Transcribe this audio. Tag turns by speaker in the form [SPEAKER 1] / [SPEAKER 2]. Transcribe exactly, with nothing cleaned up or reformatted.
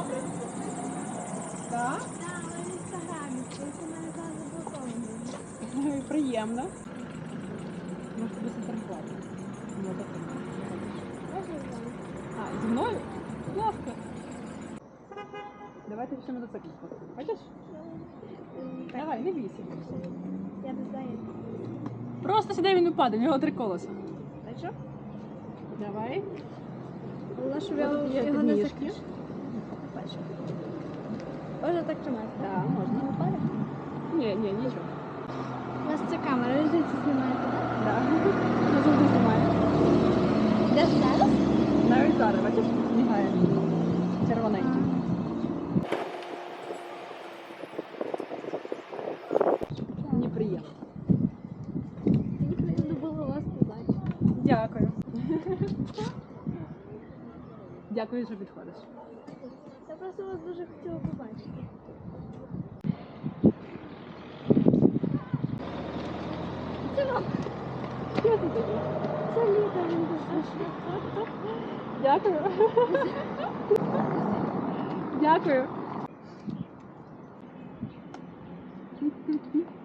[SPEAKER 1] Так?
[SPEAKER 2] Так, але в інстаграмі, тільки в мене зараз заблоковано.
[SPEAKER 1] Приємно. Може тобі сфотографувати?
[SPEAKER 2] Можна з вами?
[SPEAKER 1] А, зі мною? Будь ласка. Давайте ще мотоцикл сфоткаємо. Хочеш?
[SPEAKER 2] Так,
[SPEAKER 1] Давай, не бійся.
[SPEAKER 2] я не знаю.
[SPEAKER 1] Просто сюди він упаде, в нього три колеса.
[SPEAKER 2] А що?
[SPEAKER 1] Давай.
[SPEAKER 2] Головне, щоб
[SPEAKER 1] Ось
[SPEAKER 2] його,
[SPEAKER 1] є
[SPEAKER 2] його не
[SPEAKER 1] підніжки.
[SPEAKER 2] закриш. Бачу. Можна так тримати?
[SPEAKER 1] Так, можна.
[SPEAKER 2] Не впаде?
[SPEAKER 1] Ні, ні, нічого.
[SPEAKER 2] У вас це камера, ви звідси знімаєте, так?
[SPEAKER 1] Так. Ми завжди знімаємо.
[SPEAKER 2] Де зараз?
[SPEAKER 1] Навіть зараз, бачиш, мігає. Червоненький. Мені приємно.
[SPEAKER 2] Мені приємно було вас побачити.
[SPEAKER 1] Дякую. Дякую, що підходиш.
[SPEAKER 2] Я просто вас дуже хотіла побачити. Це вам.
[SPEAKER 1] Що це таке?
[SPEAKER 2] Це літо, він дуже.
[SPEAKER 1] Дякую. Дякую.